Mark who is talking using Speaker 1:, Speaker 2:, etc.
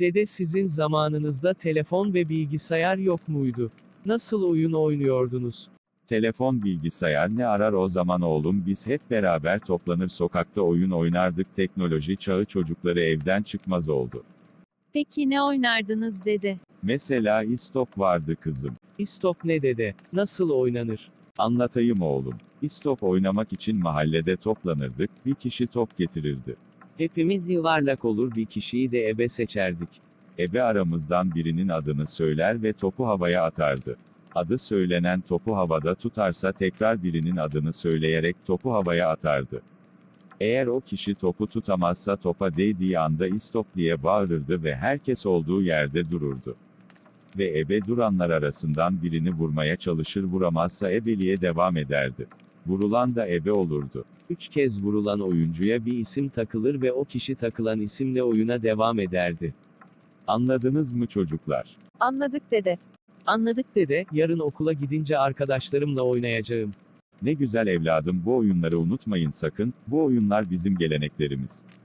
Speaker 1: Dede sizin zamanınızda telefon ve bilgisayar yok muydu? Nasıl oyun oynuyordunuz?
Speaker 2: Telefon bilgisayar ne arar o zaman oğlum, biz hep beraber toplanır sokakta oyun oynardık, teknoloji çağı çocukları evden çıkmaz oldu.
Speaker 3: Peki ne oynardınız dede?
Speaker 2: Mesela istop vardı kızım.
Speaker 1: İstop ne dede? Nasıl oynanır?
Speaker 2: Anlatayım oğlum. İstop oynamak için mahallede toplanırdık, bir kişi top getirirdi.
Speaker 1: Hepimiz yuvarlak olur bir kişiyi de ebe seçerdik.
Speaker 2: Ebe aramızdan birinin adını söyler ve topu havaya atardı. Adı söylenen topu havada tutarsa tekrar birinin adını söyleyerek topu havaya atardı. Eğer o kişi topu tutamazsa topa değdiği anda istop diye bağırırdı ve herkes olduğu yerde dururdu. Ve ebe duranlar arasından birini vurmaya çalışır, vuramazsa ebeliğe devam ederdi. Vurulan da ebe olurdu.
Speaker 1: 3 kez vurulan oyuncuya bir isim takılır ve o kişi takılan isimle oyuna devam ederdi.
Speaker 2: Anladınız mı çocuklar?
Speaker 4: Anladık dede.
Speaker 1: Anladık dede, yarın okula gidince arkadaşlarımla oynayacağım.
Speaker 2: Ne güzel evladım, bu oyunları unutmayın sakın, bu oyunlar bizim geleneklerimiz.